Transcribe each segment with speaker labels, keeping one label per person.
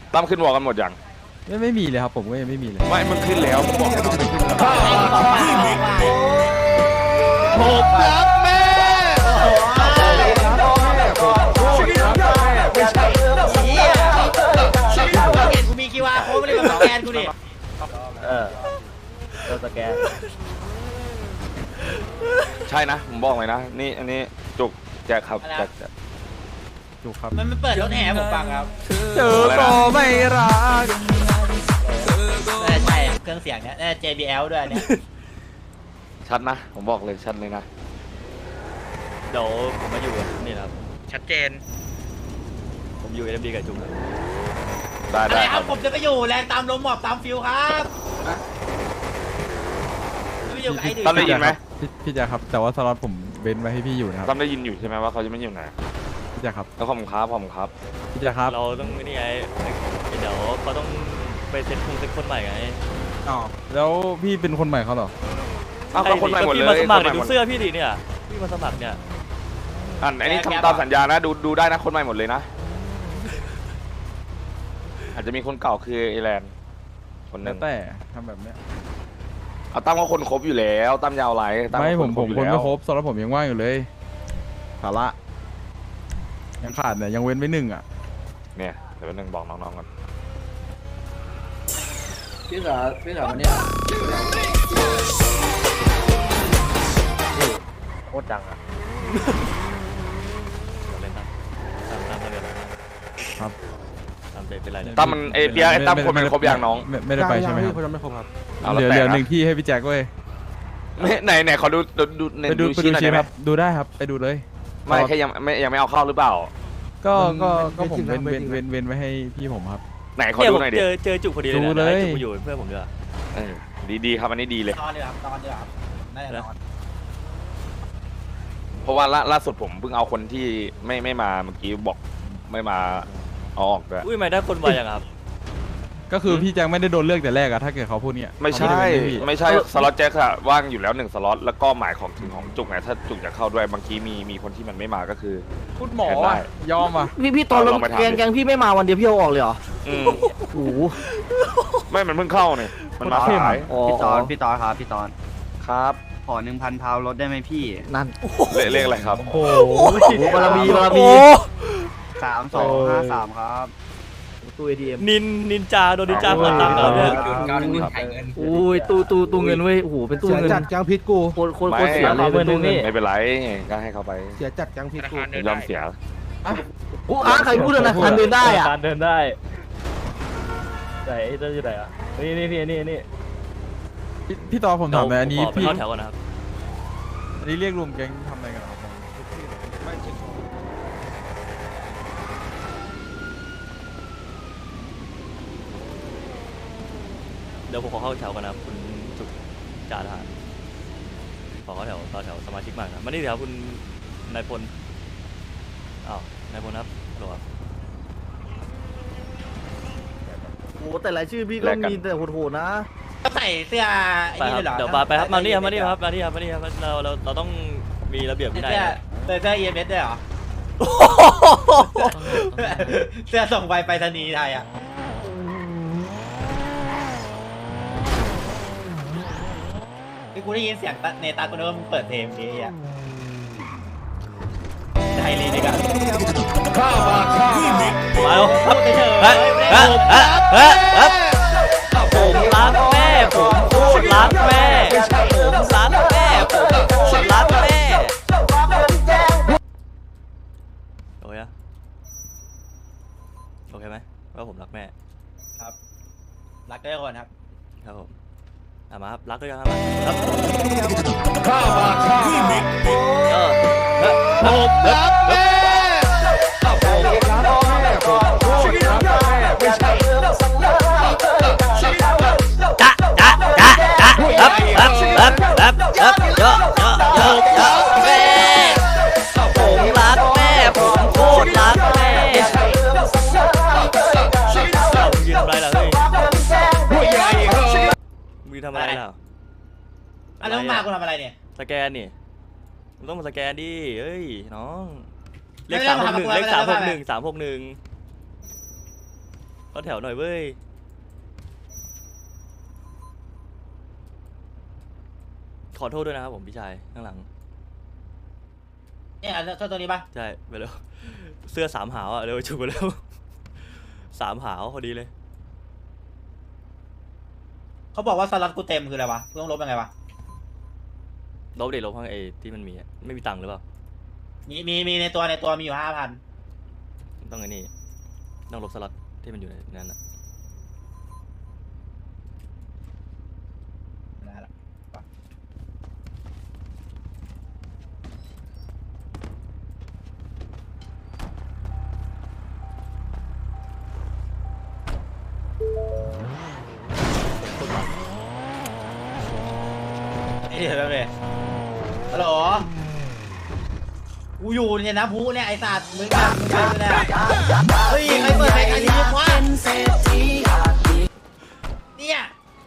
Speaker 1: ตั้มขึ้นวอลกันหมดยัง
Speaker 2: ไม่มีเลยครับผมก็ยังไม่มีเลย
Speaker 1: ไม่มันขึ้นแล้วผมบอกให้มันขึ้นแล้วผมรักแม่
Speaker 3: เห็นกูมีคิวอาร์โค้ดไม่ได้มาสแกนกูดิ
Speaker 4: เราสแกน
Speaker 1: ใช่นะผมบอกเลยนะนี่อันนี้จุกแจ็คครับแจ็ค
Speaker 2: ถูกครับ
Speaker 3: มันเปิดรถแห่ผมฟังครับ
Speaker 2: เจอก็ไม่รัก
Speaker 3: น่าใช่เครื่องเสียงเนี้ยน่า JBL ด้วยเนี่ย
Speaker 1: ชัดนะผมบอกเลยชัดเลยนะ
Speaker 4: เดี๋ยวผมมาอยู่นี่ครับ
Speaker 3: ชัดเจน
Speaker 4: ผมอยู่ LMD กับจุ๊บ
Speaker 1: ได้
Speaker 3: ครับผมจะไปอยู่แรงตามลมหมอบตามฟิวครับไม่อยู่ไอ้ดิ
Speaker 1: ตั้มได้ยินไหม
Speaker 2: พี่แจ๊คครับแต่ว่าสล็อตผมเว้นไว้ให้พี่อยู่นะครับ
Speaker 1: ตั้มได้ยินอยู่ใช่ไหมว่าเขาจะไม่อยู่ไหน
Speaker 2: พี่แจ๊คครับ
Speaker 1: แล้วผมครับ
Speaker 2: พี่แจ๊คครับ
Speaker 4: เราต้องนี่ไงเดี๋ยวเขาต้องไปเซ็ตคนใหม่ไง
Speaker 2: อ๋อแล้วพี่เป็นคนใหม่เขาเหรอ
Speaker 1: อ้าวก็คนใหม่หมดเลย
Speaker 4: พี่มาสมัครดูเสื้อพี่ดิเนี่ยพี่มาสมัครเนี่ย
Speaker 1: อันนี้ทำตามสัญญานะดูได้นะคนใหม่หมดเลยนะอาจจะมีคนเก่าคือเอแลนคนนึง
Speaker 2: แต่ทำแบบเนี้ย
Speaker 1: เอาตั้มก็คนครบอยู่แล้วตั้มยาวไร
Speaker 2: ไม่ผมคนไม่ครบสำหรับผมยังว่างอยู่เลยภาระยังขาดเนี่ยยังเว้นไว้1อ่ะ
Speaker 1: เนี่ยเดี๋ยว1บอกน้องๆกัน
Speaker 5: พี่สาววันนี้
Speaker 4: โคตรดังอ่ะเล่นตาม
Speaker 2: ครับ
Speaker 4: เป็นไร
Speaker 1: ตั้มมันเปียไอ้ตั้มคนมันครบอย่างน้อง
Speaker 2: ไม่ได้ไปใช่ไหมครับ
Speaker 5: คนไม่ครบครับ
Speaker 2: เหลือ1ที่ให้พี่แจ็คเว้ย
Speaker 1: ไหนขอดู
Speaker 2: ชี้หน่อยครับดูได้ครับไปดูเลย
Speaker 1: ไม่แค่ยังไม่เอาเข้าหรือเปล่า
Speaker 2: ก็ผมเว้นไว้ให้พี่ผมครับ
Speaker 1: ไหนขอดูหน่อยดิ
Speaker 4: เจอจุกพอดีเลยนะจุกมาอยู่เพื่อนผมด้วย
Speaker 1: ดีครับอันนี้ดีเลย
Speaker 3: ตอนเดือดครับน่าจะนอน
Speaker 1: เพราะว่าล่าสุดผมเพิ่งเอาคนที่ไม่มาเมื่อกี้บอกไม่มาเอาออกด้วย
Speaker 4: อุ้ยไม่ได้คนวาอย่างครับ
Speaker 2: ก็คือพี่แจ็คไม่ได้โดนเลือกแต่แรกอะถ้าเกิดเขาพูดเนี่ย
Speaker 1: ไม่ใช่สล็อตแจ็คอะว่างอยู่แล้ว1สล็อตแล้วก็หมายของถึงของจุกไงถ้าจุกจะเข้าด้วยบางทีมีคนที่มันไม่มาก็คือ
Speaker 2: พูดหมอยอมอ่ะ
Speaker 5: พี่ตอนลงแกงพี่ไม่มาวันเดียวพี่เอาออกเลยเหรอโอ้โห
Speaker 1: ไม่มันเพิ่งเข้าเนี่ยมันมาขาย
Speaker 5: พี่ตอนครับพี่ตอน
Speaker 1: ครับ
Speaker 5: ขอ1,000 พาวรถได้ไหมพี่
Speaker 1: นั่นเลขอะไรครับ
Speaker 5: โอ้โหบารมี3253ครับตู้ ATM
Speaker 4: นินจาโดนนินจาเปิดตังค์แล้วเนี่ย
Speaker 5: อุ้ยตู้เงินเว้ยโอ้โหเป็นตู้เงิน
Speaker 6: จัดจังพิษกู
Speaker 5: โคตรเสียเลยตู้เงิน
Speaker 1: ไม่เป็นไรก็ให้เขาไป
Speaker 6: เสียจัดจังพิษกู
Speaker 1: ยอมเสีย
Speaker 5: ใครพูดธนาคารเดินได้อะ
Speaker 4: เดินได้ไหนจะอยู่ไหนอ่ะนี่
Speaker 2: พี่ต่อผมถามเลยอันนี้พี่
Speaker 4: เข้าแถวก่อนนะครับ
Speaker 2: อันนี้เรียกรวมแก๊งทำอะไรกันครับ
Speaker 4: เดี๋ยวผมขอเข้าแถวก่อนนะครับคุณจุกจ่าทหารขอเข้าแถวต่อแถวสมาชิกใหม่นะมานี่เดี๋ยวคุณนายพลอ้าวนายพลครับหรอ
Speaker 5: โอ้แต่รายชื่อพี่ก็มีแต่โหดๆนะ
Speaker 3: ใส่เสื้อไอ้นี่เลยเหรอ
Speaker 4: เดี๋ยวไปครับมานี่ครับเราต้องมีระเบียบวินัย
Speaker 3: เสื้อ EMS ด้วยเหรอเสื้อส่งไปรษณีย์ไทยอ่ะที่กูได้ยินเสียงเนตากูนึกว่ามึงเปิดเพลงนี้อ่ะไทยลีนี่กัน
Speaker 4: ข้าวมาพูดเฉยผมรักแม่ผมพูดรักแม่ผมรักแม่ผมรักแม่โอเคนะโอเคไหมว่าผมรักแม่
Speaker 3: ครับรักด้วยคนครับ
Speaker 4: ครับผมมาครับรักด้วยกันครับ
Speaker 1: ข้าวมา
Speaker 4: ผมรักแม่ทำอะไรล่ะ
Speaker 3: แล้วมากูทำอะไรเนี่ย
Speaker 4: สแกนนี่ต้องมาสแกนดิเฮ้ยน้องเลข361 เข้าแถวหน่อยเว้ยขอโทษด้วยนะครับผมพี่ชายข้างหลัง
Speaker 3: เนี่ยเจ้าตัวนี้ปะ
Speaker 4: ใช่ไปแล้วเสื้อสามหาวอ่ะเร็วจุกไปแล้วสามหาวพอดีเลย
Speaker 3: เขาบอกว่าสล็อตกูเต็มคืออะไรวะกูต้องลบยังไงวะ
Speaker 4: ลบเด็ลบข้างไอ้ที่มันมีอะไม่มีตังค์หรือเปล่า
Speaker 3: มีในตัวมีอยู่5,000
Speaker 4: ต้องไอ้นี่ต้องลบสล็อตที่มันอยู่ในนั้นอะ
Speaker 3: ได้ละ นี่เดี๋ยวแป๊บนึงฮัลโหลกูอยู่เนี่ยนะพูเนี่ยไอ้สัตว์มึงอะมึงไปเนี่ยเฮ้ยใครเปิดเพลงอันนี้วะเนี่ย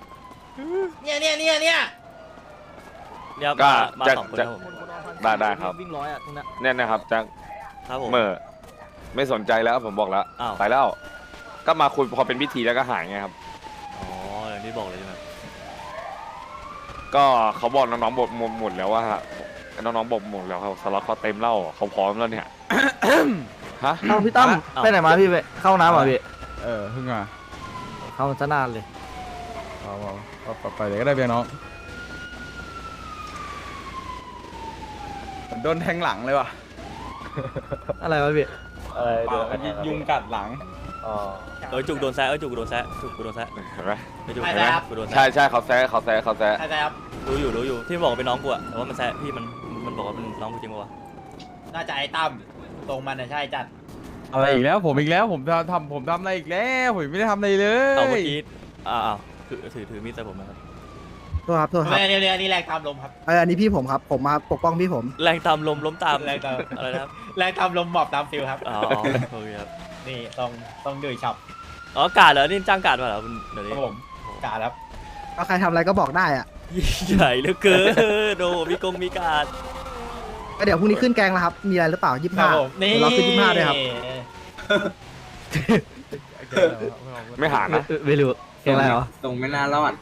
Speaker 4: เนี่ย
Speaker 1: ก็
Speaker 4: มา
Speaker 1: จะ
Speaker 4: สองคน
Speaker 1: จะ
Speaker 4: ครับผม
Speaker 1: ได้ครับ
Speaker 5: วิ่งร้อยอ่ะตรงนั้น
Speaker 1: เนี่ยนะครับแจ็ค
Speaker 4: ครับผม
Speaker 1: เมื่อไม่สนใจแล้วผมบอกแล้ว
Speaker 4: อ้าว
Speaker 1: ไปแล้ว ก็มาคุยพอเป็นพิธีแล้วก็หายไงครับ
Speaker 4: อ๋ออย่างที่บอกเลยใช่ไหม
Speaker 1: ก็เขาบอกน้องๆบอกหมดแล้วว่าน้องๆบอกหมดแล้วครับสล็อตเขาเต็มแล้วเขาพร้อมแล้วเนี่ย ฮะ
Speaker 5: เอาพี่ตั้มไปไหนมาพี่ไปเข้าน้ำเหรอพี่
Speaker 2: เพิ่งมา
Speaker 5: เข้าซะนานเลย
Speaker 2: ไปเลยก็ได้เพียงน้องโดนแทงหลังเลยว่ะ
Speaker 5: อะไรวะพี่
Speaker 2: ยุงกัดหลัง
Speaker 4: จุกโดนแซะจุกโดนแซะจุกโดนแซะ
Speaker 1: เห็นไหม
Speaker 4: ไม่จุก
Speaker 3: ใช่
Speaker 4: เห็นไหม
Speaker 3: ครับ
Speaker 4: กูโดน
Speaker 1: ใช่
Speaker 4: แซะ
Speaker 1: ใช่เขาแซะ
Speaker 3: ใช่ครับ
Speaker 4: รู้อยู่ที่บอกว่าเป็นน้องกูอะแต่ว่ามันแซะพี่มันบอกว่าเป็นน้องกูจริงปะวะ
Speaker 3: น่าจะไอ้ตั้มตรงมันนะใช่จัด
Speaker 2: อะไรอีกแล้วผมอีกแล้วผมทำอะไรอีกแล้วผมไม่ได้ทำอะไรเลย
Speaker 4: เอาเมื่อกี้อ้าวถือมีดใส่ผมนะครับ
Speaker 6: โทษครับโทษครับ
Speaker 3: เนี่ยนี่แรงตามลมครับ
Speaker 6: อันนี้พี่ผมครับ ผมมาปกป้องพี่ผม
Speaker 4: แรงตามลมล้มตาม
Speaker 3: แรงตาม
Speaker 4: อะไรนะครับ
Speaker 3: แรงตามลมหมอบตามฟิลครับ
Speaker 4: อ๋อโอเคครับ
Speaker 3: นี่ต้องดื้อฉับ
Speaker 4: อ๋อกาดเหรอนี่จ้างกาดมาเหรอคุณเดี๋ยว
Speaker 3: ค
Speaker 4: นี้
Speaker 3: รับผมกาครับ
Speaker 6: ก็ใครทำอะไรก็บอกได้อะ
Speaker 4: ใหญ่เหลือเกินโดมีกาด
Speaker 6: ก็เดี๋ยวพรุ่งนี้ขึ้นแกงแล้วครับ มีอะไรหรือเปล่า
Speaker 3: ครับ
Speaker 6: 25
Speaker 3: ผมนี่
Speaker 6: เราขึ้น25ด้วยครับ
Speaker 1: ไม่หานะ
Speaker 5: ไม่รู้เก่งอะไรเหรอ
Speaker 7: ส่งไม่นานแล้วอ่ะ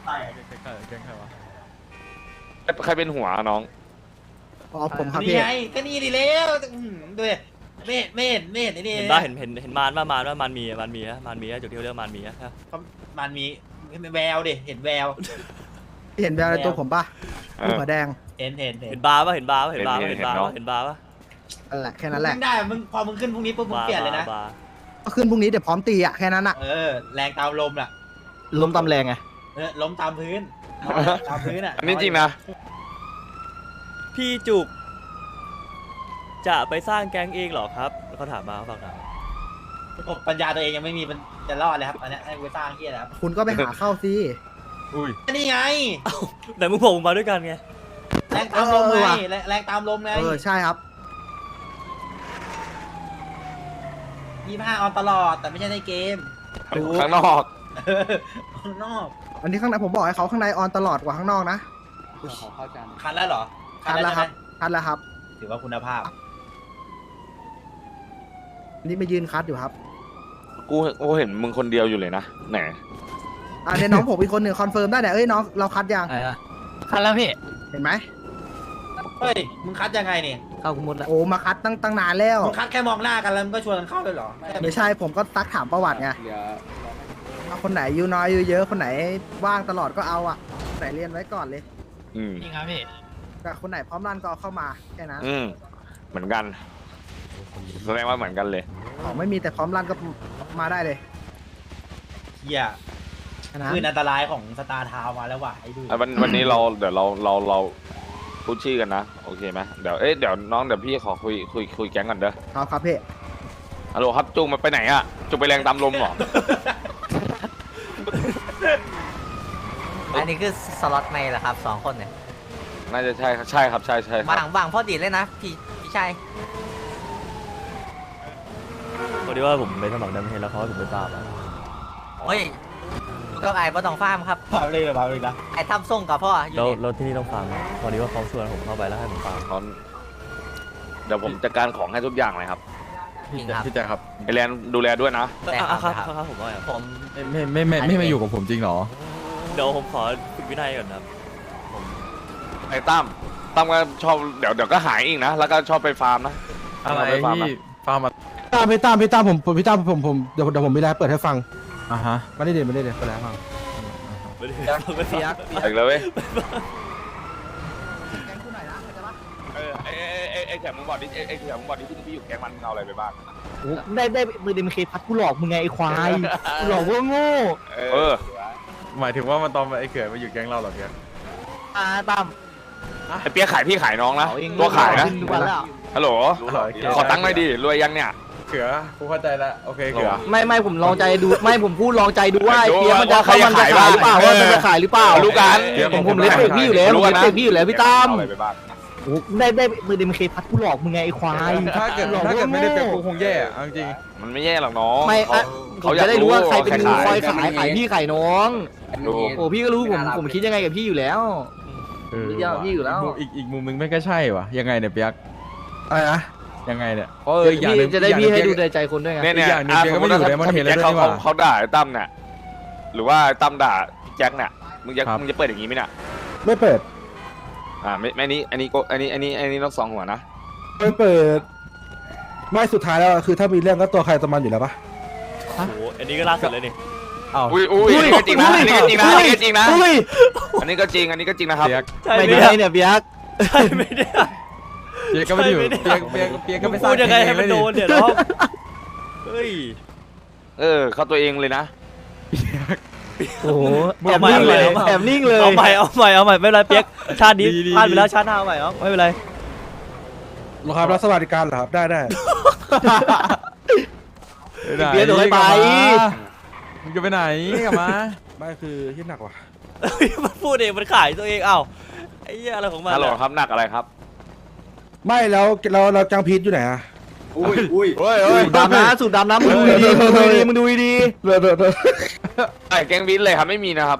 Speaker 1: ใครเป็นหัวน้อง
Speaker 6: อ๋อผมครับ
Speaker 3: นี่
Speaker 6: พี่
Speaker 3: ไงก็นี่ดีแล้วดูดิไม่เห็นไอ้นี่
Speaker 4: เห็นป่ะเห็นมารป่ะมารมีอะจุดที่เขาเรียกมารมีอะ
Speaker 3: มันมีแววดิเห็นแวว
Speaker 6: เห็นแววในตัวผมป่ะ
Speaker 1: เอ
Speaker 6: ลูก
Speaker 1: อ
Speaker 6: หัวแดง
Speaker 3: เห็น
Speaker 4: เห็นบาร์ป่ะเห็นบาร์ป่ะ
Speaker 1: เห็นเนาะ
Speaker 4: ป่ะ
Speaker 6: นั่นแหละแค่นั้นแหละ
Speaker 3: มึงได้มึงพอมึงขึ้นพรุ่งนี้ปุ๊บมึงเปลี่ยนเลยนะ
Speaker 4: บาร์
Speaker 6: ก็ขึ้นพรุ่งนี้เดี๋ยวพร้อมตีอ่ะแค่นั้นอ่ะ
Speaker 3: แรงตามลมน่ะ
Speaker 5: ลมตำแรงไง
Speaker 3: ล้มตามพื้นตามพื้นอ่ะ
Speaker 1: อันนี้จริงนะ
Speaker 4: พี่จุกจะไปสร้างแก๊งเองเหรอครับเขาถามมาเขาฝากถาม
Speaker 3: ปัญญาตัวเองยังไม่มีมันจะรอดเลยครับอันนี้ให้กูสร้างที่อะไรครับ
Speaker 6: คุณก็ไปหาเข้าสิ
Speaker 2: อุ้ย
Speaker 3: นี่ไง
Speaker 4: แต่มึงผมมาด้วยกันไง
Speaker 3: แรงตามลมไงแรงตามลมไง
Speaker 6: ใช่ครับ
Speaker 3: 25ออนตลอดแต่ไม่ใช่ในเกม
Speaker 1: ข้างนอก
Speaker 3: ข้างนอก
Speaker 6: อันนี้ข้างในผมบอกให้เขาข้างในออนตลอดกว่าข้างนอกนะ
Speaker 3: คันแล้วเหรอ
Speaker 6: คัดแล้วครับคัดแล้วครับ
Speaker 3: ถือว่าคุณภาพ
Speaker 6: อันนี้มายืนคัดอยู่ครับ
Speaker 1: กูเห็นมึงคนเดียวอยู่เลยนะไหน
Speaker 6: เดี๋ยวน้องผมอีกคนหนึ่งคอนเฟิร์มได้เนี่ยเอ้ยน้องเราคัดยัง
Speaker 5: อะไรอ่ะคันแล้วพี่
Speaker 6: เห็นไหม
Speaker 3: เฮ้ยมึงคัดยังไงนี่
Speaker 5: เข้ากูมุดแล้ว
Speaker 6: โอ้มาคัดตั้งนานแล้ว
Speaker 3: มึงคัดแค่มองหน้ากันแล้วมึงก็ชวนกันเข้าเลยเหรอ
Speaker 6: ไม่ใช่ผมก็ซักถามประวัติไง
Speaker 7: เดี๋ยว
Speaker 6: เอาคนไหนอยู่น้อยอยู่เยอะคนไหนว่างตลอดก็เอาอ่ะคนไหนเรียนไว้ก่อนเลย
Speaker 1: อืม
Speaker 5: จริงครับพี่
Speaker 6: แต่คนไหนพร้อมรันก็เอาเข้ามาแค่นั้น
Speaker 1: เหมือนกันแสดงว่าเหมือนกันเลย
Speaker 6: ของไม่มีแต่พร้อมรันก็มาได้เลย
Speaker 3: เฮีย
Speaker 6: แค่นั้น
Speaker 3: คืออันตรายของสตาร์ทาวมาแล้วว่ะไอ้ดู
Speaker 1: วันนี้เดี๋ยวเราพูดชื่อกันนะโอเคไหมเดี๋ยวน้องเดี๋ยวพี่ขอคุยแก๊งก่อนเด้อ
Speaker 6: ครับพี่
Speaker 1: ฮัลโหลครับจุงมันไปไหนอะจุงไปแรงตามลมเหรอ
Speaker 8: อันนี้คือสล็อตไม่เหรอครับ2 คนเนี่ย
Speaker 1: น่าจะใช่ครับใช่ครับใช่ค
Speaker 8: มา
Speaker 1: รับ
Speaker 8: บางพอดีเลยนะพี่ชาย
Speaker 4: พอดีว่าผมไปสมัครดัมเฮดแล้วเขาให้ผมไปฟาร์มอะ
Speaker 8: เฮ้ยก็ไอ้บ่ต้องฟาร์มครับ
Speaker 3: พาไปเลยนะ
Speaker 8: ไอ้ทำส่งกับพ่ออยู่
Speaker 4: แล้ว
Speaker 8: นี่
Speaker 4: แล้วที่นี่ต้องฟาร์มไหมพอดีว่าเขาชวนผมเข้าไปแล้วให้ผมฟาร์ม
Speaker 1: เดี๋ยวผมจัดการของให้ทุกอย่างเลยครับ
Speaker 8: จริงครับ
Speaker 2: พี่แจ๊คครับ
Speaker 1: ไอแลนดูแลด้วยนะ
Speaker 4: ครับผมว่าครับ
Speaker 8: ผม
Speaker 2: ไม่มาอยู่กับผมจริงเหรอ
Speaker 4: เดี๋ยวผมขอฝึกวินัยก่อนครับ
Speaker 1: ไอ้ตั้มก็ชอบเดี๋ยวก็หายอีกนะ แล้วก็ชอบไปฟาร์มนะ
Speaker 2: อะไร
Speaker 1: ไปฟาร์ม
Speaker 2: พี่
Speaker 1: นะ
Speaker 2: ฟาร์มอะ
Speaker 7: พี่ตั้มผมเดี๋ยวผมมีอะไรเปิดให้ฟัง
Speaker 2: อ่ะฮะ
Speaker 7: ไม่ได้เปิดให้ฟัง
Speaker 4: ไม่ได้ไม่ได้
Speaker 1: อีกแล้วเว้ยไอ้แขกมึงบอกดิไอ้แขกมึงบอกดิพี่อยู่แก๊งมันมึงเอาอะไรไปบ้าง
Speaker 5: ได้มือเดมเคพัดกูหลอกมึงไงไอ้ควายกูหลอกว่าโง่
Speaker 1: เออ
Speaker 2: หมายถึงว่ามันตอนไอ้เขื่อนมาอยู่แก๊งเราเหรอเพียก
Speaker 5: ตั้ม
Speaker 1: ไอ้เปียกขายพี่ขายน้องนะ
Speaker 5: เอเอง
Speaker 1: ตัวขายนะ
Speaker 5: ขึ้ทุกวันแล้ว
Speaker 1: ฮัลโหล ขอตังค์หน่อยดิ รวยยังเนี่ย
Speaker 2: เขื่อกูเข้าใจแล้วโอเคเขื่อ
Speaker 5: ไม่ผมลองใจดูไม่ผมพูดลองใจดูว่าไอ้
Speaker 1: ดู
Speaker 5: เปียมันจะ
Speaker 1: ว่าใครจะ
Speaker 5: มันจะ
Speaker 1: ขาย
Speaker 5: ขายหรือเปล่า
Speaker 1: บ้าง
Speaker 5: ว่ามันจะขายหรือเปล่า
Speaker 1: รู้กัน
Speaker 5: ผมเลสเปกพี่อยู่แล้วผมเลสเปกพี่อยู่แล้วพี่ตั้ม
Speaker 1: เอาอะไรไปบ้าง
Speaker 5: ได้มือเดมเคพัดกูหลอกมึงไงไอ้ควาย
Speaker 2: ถ้าเกิดไม่ได้เป็นกูคงแย่อะเอาจริง
Speaker 1: มันไม่แย่หรอกน้อง
Speaker 5: ไม่อะผ
Speaker 1: เขา
Speaker 5: ม
Speaker 1: อยาก
Speaker 5: จะได้รู้ว่าใครเป็น
Speaker 1: รู้ว่า
Speaker 5: คอย
Speaker 1: ใคร
Speaker 5: ขายพี่ขายน้อง
Speaker 1: ดู
Speaker 5: โอ้พี่ก็รู้ผมคิดยังไงกับพี่อยู่แล้ว
Speaker 2: เออ
Speaker 5: เดี๋ยวพี่อยู่แล้ว
Speaker 2: อีกมุมนึงไม่ก็ใช่วะยังไงเนี่ยเปียก
Speaker 7: อะไรนะ
Speaker 2: ยังไงเนี่ยเพราะอย่างหนึง
Speaker 5: พี่จะได้พี่ให้ดูในใจคนด้วยไง
Speaker 1: เนี่ย
Speaker 2: อีกอย่างหนึ่งเปียกก็ไม่อยู่ในมอนเทนแล้วด้วยนี่หว่า
Speaker 1: เขาด่าไอ้ตั้มเนี่ยหรือว่าไอ้ตั้มด่าพี่แจ็คเนี่ยมึงจะ
Speaker 2: ครับ
Speaker 1: มึงจะเปิดอย่างนี้ไหมเนี่ย
Speaker 7: ไม่เปิด
Speaker 1: ไม่นี้อันนี้นกสองหัวนะ
Speaker 7: ไม่เปิด ไม่สุดท้ายแล้วคือถ้ามีเรื่องก็ตัวใครตัวมันอยู่แล้วปะ
Speaker 4: โอ้โหอันนี้ก็ล่าสุดเลยนี่
Speaker 2: อ้าว
Speaker 1: อุ้ยอันนี้ก็จริงนะอันนี้ก็จริงนะอันนี้ก็จริงนะ
Speaker 5: อุ้ย
Speaker 1: อันนี้ก็จริงอันนี้ก็จริงนะครับ
Speaker 2: เปียก
Speaker 4: ใช่
Speaker 5: ไม่
Speaker 4: ไหม
Speaker 5: ได้เนี่ยเบียก
Speaker 4: ใช่ไหมเนี่ย
Speaker 2: เปียกก็ไม่ได้อยู่
Speaker 4: ใช่ไม่ได้
Speaker 2: เปียกก็ไม่ส
Speaker 4: พู
Speaker 2: ร้าง
Speaker 4: ดยังไงให้มันโดน
Speaker 2: เอง
Speaker 4: เดี๋ยวน้องเฮ้ย
Speaker 1: เข้าตัวเองเลยนะ
Speaker 5: โอ้โห
Speaker 2: มึ
Speaker 5: แอบนิ่งเลยแอบนิ่งเลย
Speaker 4: เอาใหม่ไม่เป็นไรเปียกชาตินี้พลาดไปแล้วชาติหน้าเอาใหม่เอาไม่เป็นไร
Speaker 7: หรอครับรับสวัสดิการเหรอครับได้
Speaker 5: เปียกโดนไป
Speaker 2: มึงจะไปไหนกลับมา
Speaker 7: ไม่คือที่หนักว่ะ
Speaker 4: เฮ้ยมันพูดเองมันขายตัวเองเอ้าไอ้เหี้ยอะไรของมัน
Speaker 1: ฮัลโหล
Speaker 4: อะ
Speaker 1: ครับหนักอะไรครับ
Speaker 7: ไม่แล้วเราจังพีทอยู่ไหนอะ
Speaker 1: เฮ้ย
Speaker 5: สูตรดำนะมึงดูดีมึงดูดี
Speaker 1: ไอ้แกงวินเลยครับไม่มีนะครับ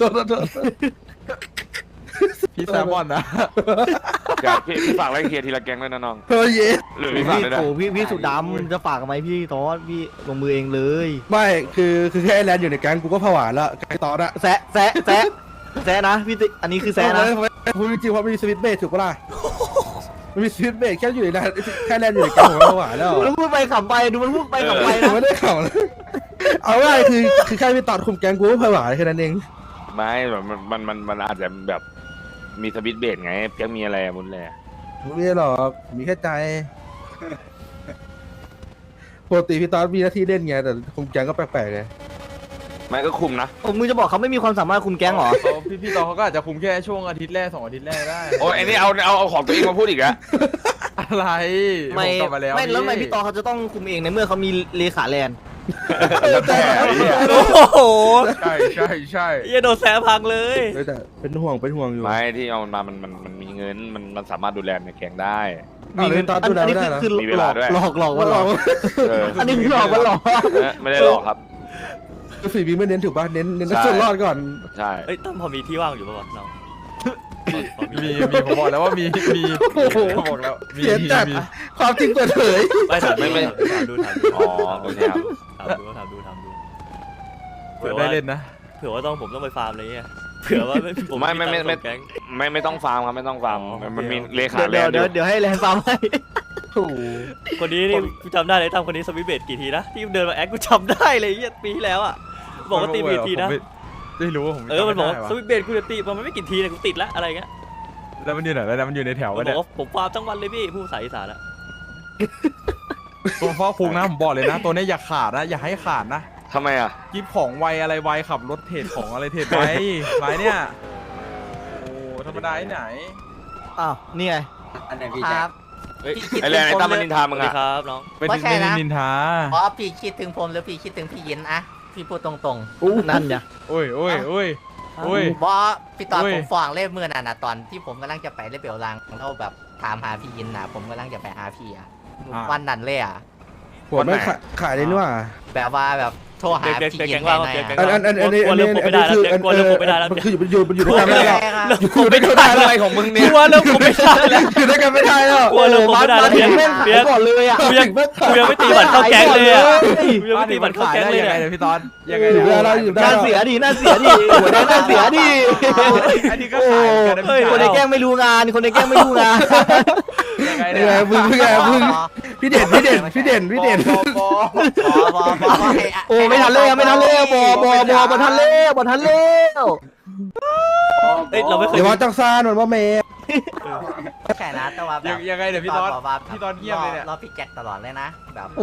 Speaker 2: พี่แซมมอนนะ
Speaker 1: เดี๋ยวพี่ฝากไล่เคลียร์ทีละแกงด้วยนะน้อง
Speaker 7: เฮ้ย
Speaker 1: หรือ
Speaker 5: พี่
Speaker 1: พี่ฝากเลยนะ
Speaker 5: โอ้พี่สูตรดำจะฝากกับไหมพี่ตอสพี่ลงมือเองเลย
Speaker 7: ไม่คือแค่ไอ้แลนด์อยู่ในแก๊งกูก็ผวาแล้วแก๊งตอนอะ
Speaker 5: แซะนะพี่อันนี้คือแซะนะ
Speaker 7: พูดจริงๆเพราะมันมีสวิตช์เบรกถูกปะล่ะมันมีสวิตช์เบรกแค่อยู่ในนั้นแค่แลนด์อยู่ในแก๊งผมก็ผวาแล้ว
Speaker 5: แล้วพูดไปขำไปดูมันพูดไปขำไป
Speaker 7: ผม
Speaker 5: นะ
Speaker 7: ไม่ได้ข่าวเลยเอาง่ายคือแค่พี่ตอดคุมแก๊งกูก็ผวาแค่นั้นเอง
Speaker 1: ไม่แบบมันอาจจะแบบมีสวิตช์เบรดไงเพียงมีอะไรมุนแหละ
Speaker 7: ไม่หรอกมีแค่ใจปกติพี่ตอดมีหน้าที่เล่นไงแต่คุมแก๊งก็แปลกๆไง
Speaker 1: ไม่ก็คุมนะ
Speaker 5: ผมมึงจะบอกเขาไม่มีความสามารถคุมแก๊งเหรอ
Speaker 2: พี่ตอเขาก็อาจจะคุมแค่ช่วงอาทิตย์แรก2 อาทิตย์แรกได้
Speaker 1: โอ้ยไอ้นี่เอาของตัวเองมาพูดอีกแล้ว
Speaker 2: อะไร
Speaker 5: ไม่
Speaker 2: ผกลับมาแล้ว
Speaker 5: ไม่แล้วทำไมพี่ตอเขาจะต้องคุมเองในเมื่อเขามีเลขาแลนด์
Speaker 1: แล้วแต่ไอ้เหี้ย
Speaker 4: โอ้โห
Speaker 2: ใช่
Speaker 4: เหี้ยโดนแซะพังเลย
Speaker 7: แต่เป็นห่วงอยู่
Speaker 1: ไม่ที่เอามามันมีเงินมันสามารถดูแลในแกงได้
Speaker 7: มีเงินตอนดูแล
Speaker 5: อัน
Speaker 7: ไม่
Speaker 5: นี้
Speaker 7: ได้เหรอ
Speaker 5: คือ
Speaker 1: มีเวลาด้วย
Speaker 5: หลอกว่าหลอก อันนี้คือหลอกว่าหลอก
Speaker 1: ไม่ได้หรอกครับ
Speaker 7: คือฝีมือไม่เน้นถูกป่ะเน้น
Speaker 1: ใช่
Speaker 7: ส่วนรอดก่อน
Speaker 1: ใช่
Speaker 4: เอ้ยตั้มพอมีที่ว่างอยู่ป่าวะน้องพอ
Speaker 2: มีผมบอกแล้วว่ามีผมบอกแล้วมี
Speaker 7: เสียจัดความจริงเปิดเผย
Speaker 4: ไม่ถามดู
Speaker 1: อ๋อโอเคครับ
Speaker 4: ถามดู
Speaker 2: เปิดได้เล่นนะ
Speaker 4: เผื่อว่าผมต้องไปฟาร์มอะไรเงี้ยเผื่อว่าผม
Speaker 1: ไม่ต้องฟาร์มครับไม่ต้องฟาร์ม
Speaker 4: อ๋อ
Speaker 1: มันมีเลขาแล
Speaker 5: เดี๋ยวน
Speaker 1: ด์อยู่
Speaker 5: เดี๋ยวให้แลนด์ฟาร์มให้
Speaker 4: คนนี้นี่กูจำได้เลยตั้มคนนี้สวิตช์เบดกี่ทีนะที่เดินมาแอคกูจำได้เลยเหี้ยปีที่แล้วอ่ะบอกว่าตีเบดทีนะ
Speaker 2: ไม่รู้ว่าผม
Speaker 4: มันบอกว่า
Speaker 2: จำไม่ได้
Speaker 4: สวิตช์เบดกูจะตีมันไม่กี่ทีเลยกูติดละอะไรเงี้ย
Speaker 2: แล้วมันอยู่ไหนแล้วมันอยู่ในแถว
Speaker 4: มั
Speaker 2: วะ
Speaker 4: นบ
Speaker 2: เนี่
Speaker 4: อย กว่าผมฟาร์มทั้งวันเลยพี่ผู้สายอีสานอะ
Speaker 2: ตัวพ่อคุงนะผมบอกเลยนะ ตัวนี้อย่าขาดนะอย่าให้ขาดนะ
Speaker 1: ทำไมอ่ะ
Speaker 2: กิฟของไวอะไรไวขับรถเทรดของอะไรเทรดไวไวเนี่ยโอ้ธรรมดาที่ไหน
Speaker 5: อ้าวนี่ไง
Speaker 8: อันไหนพี่แจ๊ค
Speaker 4: เฮ้ย
Speaker 1: ไอ้แลนด์ไอ้ตั้มมันนินทา
Speaker 4: ส
Speaker 1: มึ
Speaker 4: วั
Speaker 1: ง
Speaker 4: สดี
Speaker 1: อ่ะ
Speaker 4: ครับน้อง
Speaker 2: เป็น
Speaker 8: ไม่ใช่นะ
Speaker 2: นินทา
Speaker 8: เพราะพี่คิดถึงผมหรือพี่คิดถึงพี่ยินอะพี่พูดตรง
Speaker 5: นั่นไง
Speaker 2: โอ้ย
Speaker 8: ๆเพราะพี่ตอน
Speaker 2: อุ้ย
Speaker 8: ผมฟ้องเล่เมื่อน่ะนะตอนที่ผมกำลังจะไปเล่เบลลังแล้วแบบถามหาพี่ยินนะผมกำลังจะไปหาพี่อะวันนั้นเลยอะ
Speaker 7: หัวไม่ขายเลยนี่หว่า
Speaker 8: แบบว่าแบบโทรหา
Speaker 4: เปียก
Speaker 8: พี่
Speaker 4: เปียก
Speaker 8: ยิ
Speaker 4: แก
Speaker 8: น
Speaker 4: งว่า
Speaker 8: หน่อย
Speaker 4: เปียกแกง
Speaker 8: อะ
Speaker 4: ว่า กลัวเริ่มคบไม่ได้แล้วกลัวเริ่มคบไม่ได้แล้ว
Speaker 7: มันคืออยู่ด้วยกันไม่ได้แล้ว
Speaker 1: อยู่ด้วยกันอะไรของมึงเนี่ย
Speaker 4: กลัวเริ่มคบไม่ได้แล้ว
Speaker 7: อยู่ด้วยกันไม่ได้แล้ว
Speaker 4: กลัวเริ่มคบไม่ได้แล้วเปียกเปียก
Speaker 5: ก่อนเลยอ่ะ
Speaker 4: กูยังไม่ตีบัตรเข้าแก๊งเลยอ่ะกูยังไม่ตีบัตรเข้าแก๊งเลย
Speaker 2: ยังไง
Speaker 4: อะ
Speaker 2: เนี่ยพี่ตอนยังไง
Speaker 7: อยู่
Speaker 2: เนี่ย
Speaker 7: ได้แล้วอยู่ได้
Speaker 5: น่า
Speaker 7: แล้ว
Speaker 5: เสียดิน่าเสียดิหัวแดงน่าเสียดิ
Speaker 2: อันนี้ก็ขายกันนะ
Speaker 4: เฮ้ย
Speaker 2: พี่
Speaker 5: คนในแกล้งไม่รู้งานคนในแกล้งไม่รู้งาน
Speaker 2: ยังไง
Speaker 7: ยั
Speaker 2: เนี่
Speaker 7: งไง
Speaker 2: ย
Speaker 7: มึงพี่เด่น
Speaker 5: โอ้ไม่ทันเลยไม่ทันเลยบทันเลยบทันเลย
Speaker 4: เอ้ยเราไม่เคย
Speaker 7: เดี๋ยวว่าจังซานเหมือนว่าเมย์
Speaker 8: แค่นะแต่ว่าแบบ
Speaker 2: ยังไงเดี๋ยวพี่ตอน
Speaker 8: บอกว่า
Speaker 2: พี่ตอนเงียบเลยเนี่ย
Speaker 8: รอพี่แจ็คตลอดเลยนะแบบ
Speaker 5: โอ้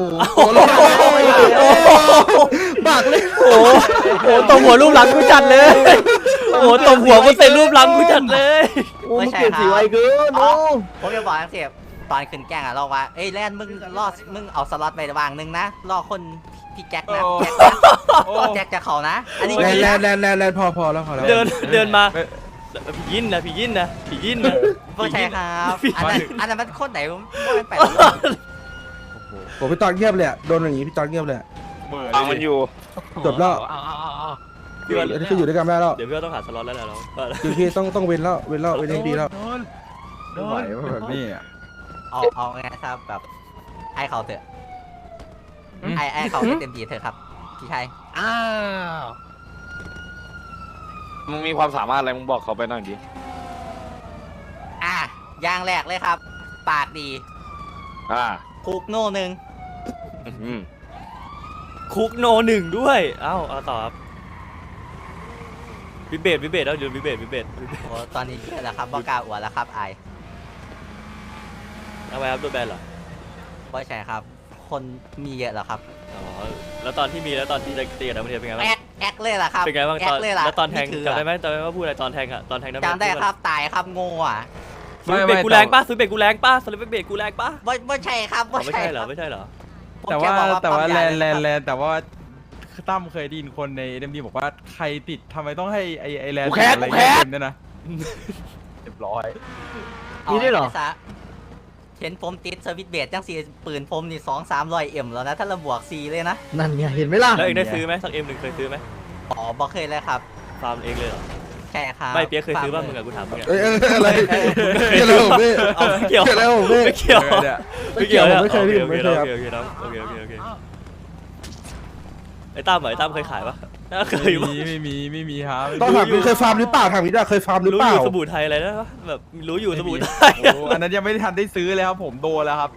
Speaker 7: ปากเลย
Speaker 4: โอ้โหตบหัวรูปหลังกูจัดเลยโอ้โหตบหัวกูเซ็นรูปหลังกูจัดเลย
Speaker 5: โอ้มันเปลี่ยนสีไวเกิน
Speaker 8: อ๋
Speaker 5: โอ้
Speaker 8: อผมจะบอกทั้งเสียบตอนขึ้นแกล้งอะเราว่าเอ้ยแลนมึงรอดมึงเอาสล็อตไปวางนึงนะรอคนพี่แจ็คนะแจ็คจะเขานะอันนี้
Speaker 7: แลนพอแล้ว
Speaker 4: เดินมาผียินนะผียินนะ
Speaker 8: ไม่ใช่ครับอันนั้นมันคนไหนผมไม่ไป
Speaker 7: ผมพี่ตอนเงียบเลยโดนอย่างงี้พี่ตอนเงียบเลย
Speaker 1: ฟังมันอยู่
Speaker 7: จบแล้ว
Speaker 4: พี่ว่า
Speaker 7: อันนี้ก็อยู่ด้วยกันไม่ได้แล้ว
Speaker 4: เดี๋ยวพี่ว่าต้องหาสล็อตแล้วแหละเรา
Speaker 7: คือพี่ต้องเว้นให้ดีแล้ว
Speaker 2: ไม่ไหวว่าแบบนี้อ่ะ
Speaker 8: เอาไงครับแบบไอ้เขาเถอะไอ้เขาเต็มที่เถอะครับพี่ชาย
Speaker 5: อ้าว
Speaker 1: มึงมีความสามารถอะไรมึงบอกเขาไปหน่อยดิ
Speaker 8: อย่างแรกเลยครับ ปากดี คุกโน่นึง
Speaker 4: คุกโนหนึ่งด้วยเอ้าเอาต่อครับวิเบตแล้วเดี๋ยววิเบต
Speaker 8: โอ้ตอนนี้เยอะแล้วครับบอกล้าอวดแล้วครับไอ้
Speaker 4: เอาไว้ครับโดนแบนเหรอ
Speaker 8: ไม่ใช่ครับ คนมีเยอะแล้วครับ
Speaker 4: อ๋อแล้วตอนที่มีแล้วตอนที่จะตีกับนักเรียนเป็นไงบ้าง
Speaker 8: แอกเลยล่ะครับ
Speaker 4: เป็นไงบ้าง
Speaker 8: แอ
Speaker 4: ต
Speaker 8: ก
Speaker 4: อน
Speaker 8: เลยล่ะ
Speaker 4: แล้วตอนแทง
Speaker 8: คือ
Speaker 4: จำได้ไหมว่าพูดอะไรตอนแทงอะตอนแทงนักเรียน
Speaker 8: จำได้ครับตายครับโง่อะ
Speaker 4: ซื้อเบรกกูแรงป่ะซื้อเบรกกูแรงป่ะสลิปเบรกกูแรงป่ะ
Speaker 8: ไม่ใช่ครับ
Speaker 4: อ๋อไม่ใช่เหรอไม่ใช่เหรอ
Speaker 8: ผม
Speaker 2: แต่
Speaker 8: ค่
Speaker 2: ว่า
Speaker 8: บอก
Speaker 2: แต่ว่า
Speaker 8: ปั๊ม
Speaker 2: แล
Speaker 8: ย
Speaker 2: น
Speaker 8: เลยครับ
Speaker 2: แต่ว่าตั้มเคยได้ยินคนในเอ็มดีบอกว่าใครติดทำไมต้องให้ไอแลน
Speaker 1: กูแค้น
Speaker 2: อะไร
Speaker 1: กูแค้น
Speaker 2: เต็มเนี่ยนะเรียบร้อย
Speaker 5: มีด้วยเหรอ
Speaker 8: าซะเห็นผมติดสวิตช์เบรดจังสีปืนผมนี่200-300 M แล้วนะถ้าเราบวก4เลยนะ
Speaker 5: นั่นไงเห็นไหมล่ะ
Speaker 4: แล้วเองได้ซื้อไหมสักเอ็มหนึ่งเคยซื้อไหม
Speaker 8: อ๋อบอกเคยเลยครับ
Speaker 4: ฟาร์มเองเลยเหรอ
Speaker 8: ใช่ครับ
Speaker 4: ไม่เปียกเคยซื้อบ้างมึงอะกูถามมึงอะ
Speaker 7: อะไรเกี่ยวอะไรผมพี่
Speaker 4: เอาไม่เกี่ยว
Speaker 7: เกี่ยวอะไรผมพี่
Speaker 4: ไม่เกี่ยว
Speaker 2: เนี่ย
Speaker 4: ไม่เกี่ยว
Speaker 7: ไม่เคยพี่
Speaker 4: โอ
Speaker 7: ไม่เคยครับ
Speaker 4: โอเคน้องโอเคไอ้ตั้มเหรอไอ้ตั้มเคยขายปะน่าเคยปะ
Speaker 2: ไม่มีครับ
Speaker 7: ต้องถามพี่เคยฟาร์มหรือเปล่าถามพี่ได้เคยฟาร์มหรือ
Speaker 4: รู้
Speaker 7: เป
Speaker 4: อ
Speaker 7: ล่า
Speaker 4: ยู่สบู่ไทยอะไรนะวะแบบรู้อยู่สบู่ไทย
Speaker 2: โอ้อันนั้นยังไม่ทันได้ซื้อเลยครับผมโดนแล้วครับ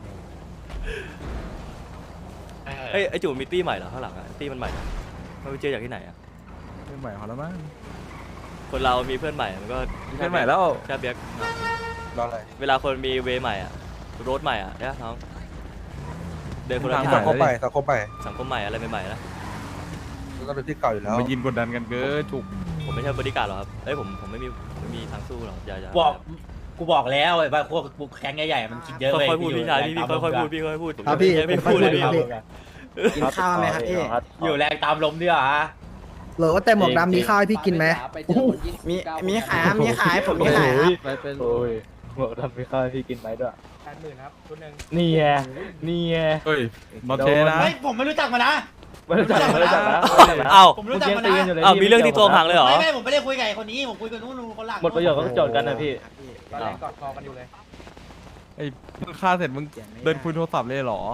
Speaker 4: เอ้ยไอ้จู่มีตี้ใหม่เหรอข้างหลังอะตี้มันใหม่นะมันไปเจอจากที่ไหนอะ
Speaker 2: ไม่ใหม่เขาแล้วมั้ง
Speaker 4: คนเรามีเพื่อนใหม่มันก็
Speaker 2: เพื่อนใหม่แล้ว
Speaker 4: ใช่เบียก
Speaker 7: รออะไร
Speaker 4: เวลาคนมีเวใหม่อะรถใหม่อะเนี่ยน้องเดินคนละ
Speaker 2: ทาง
Speaker 4: ทา
Speaker 7: สั
Speaker 4: ง
Speaker 7: งคมไปสังคมไป
Speaker 4: สังคมใหม่อะไรใหม่ๆนะ
Speaker 7: แล้วก็เป็นที่เก่าอยู่แล้ว
Speaker 2: มายินกดดันกันเกินถูก
Speaker 4: ผมไม่ใช่บริการหรอกครับเอ้ยผมไม่มีทางสู้หรอกอย่า
Speaker 3: กูบอกแล้วไอ้บ้าพวกกูแข้งใหญ่ๆมันคิดเยอะ
Speaker 4: ค่อยๆพูดพี่ชายพี่ค่อยๆพูดพี่ค่อยๆพูด
Speaker 5: ครับพี่
Speaker 4: ไม่พูดเลยพี่
Speaker 5: กินข้าวไหมครับพี่
Speaker 3: อยู่แรงตามลมดีกว่า
Speaker 6: เหรอว่าแต่หมวกดำมีข้าวให้พี่กินไหม
Speaker 5: มีขายมีขายผมมีขายครับ
Speaker 9: หมวกดำมีข้าวให้พี่กินไหมด้วย
Speaker 3: 80,000ครับชุดหนึ่ง
Speaker 9: นี่ไงนี่ไง
Speaker 2: เฮ้ยนอตเทนะ
Speaker 3: เฮ้ยผมไม่รู้จักมันนะ
Speaker 9: ไม่รู้จักไม่รู้จักนะ
Speaker 4: อ้าว
Speaker 3: ผมรู้จักมันนะ
Speaker 4: อ้าวมีเรื่องที่ตัวพังเลยเหรอ
Speaker 3: ไม่ผมไม่ได้คุยกับไอ้คนนี้ผมคุยกับนู้นคนหลัง
Speaker 9: หมดประโยชน์ก็โจทย์กันนะพี่
Speaker 3: ตอนแรกกอดคอกันอยู่เลย
Speaker 2: ไอ้มึงฆ่าเสร็จมึงเดินคุยโทรศัพท์เลยเหรอ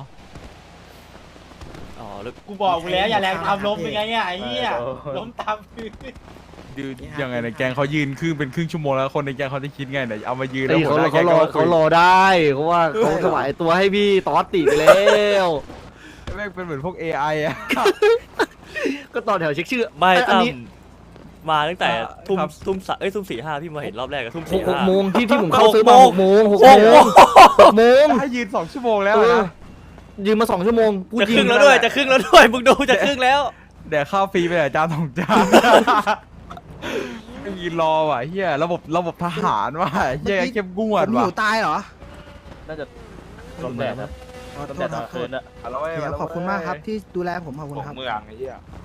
Speaker 4: อ๋อแล้ว
Speaker 3: กูบอกมึงแล้วอย่าแรงตามลมเป็นไงเนี่ยไอ้เหี้ยล้มตามพื้น
Speaker 2: ยืนยังไงในแกงเขายืนเป็นครึ่งชั่วโมงแล้วคนในแกงเขาจะคิดไงไหนเอามายืนแล้ว
Speaker 5: เขา
Speaker 2: หัวหน้าแก๊ง
Speaker 5: เขารอได้เพราะว่าเขาถวายตัวให้พี่ตอสติไปแล้ว
Speaker 2: แม่งเป็นเหมือนพวก AI อ่ะ
Speaker 5: ก็ต่อแถวเช็คชื่อ
Speaker 4: ไม่
Speaker 5: อั
Speaker 4: ตั้ม
Speaker 5: นี้
Speaker 4: มาตั้งแต่
Speaker 2: ครับ
Speaker 4: ทุ่มสี่ห้าพี่มาเห็นรอบแรกกับทุ่ม
Speaker 5: ห
Speaker 4: สี่
Speaker 5: ก
Speaker 4: ห้า
Speaker 5: โมงที่ผมเข้าซื้อมา6 โมง
Speaker 4: 6 โมง
Speaker 5: 6 โมง
Speaker 2: ให้ยืน2 ชั่วโมงแล้วนะ
Speaker 5: ยืมมา2 ชั่วโมงกู
Speaker 4: จะ
Speaker 5: ยิ
Speaker 4: ครึ่งแล้วด้วยจะครึ่งแล้วด้วยมึงดูจะครึ่งแล้ว
Speaker 2: เดี๋ยวข้าวฟรีไปแต่จาน2 จานยืนรอว่ะเฮียระบบทหารว่ะเฮียเข้มงว
Speaker 6: ผ
Speaker 2: ด
Speaker 6: ม
Speaker 2: ว่ะ
Speaker 6: อยู่ตายเหรอ
Speaker 9: น่าจะลมแดดนะ
Speaker 6: ขอ
Speaker 9: ลม
Speaker 6: โท
Speaker 9: แด
Speaker 6: ษ
Speaker 9: ด
Speaker 6: ค
Speaker 9: ต
Speaker 6: รั
Speaker 9: อบ นคืนอะ
Speaker 6: เดี๋ยวขอบคุณมากครับที่ดูแลผมขอบคุณ
Speaker 1: ตก
Speaker 6: ครับ
Speaker 1: เมืองไอ้เหี้ย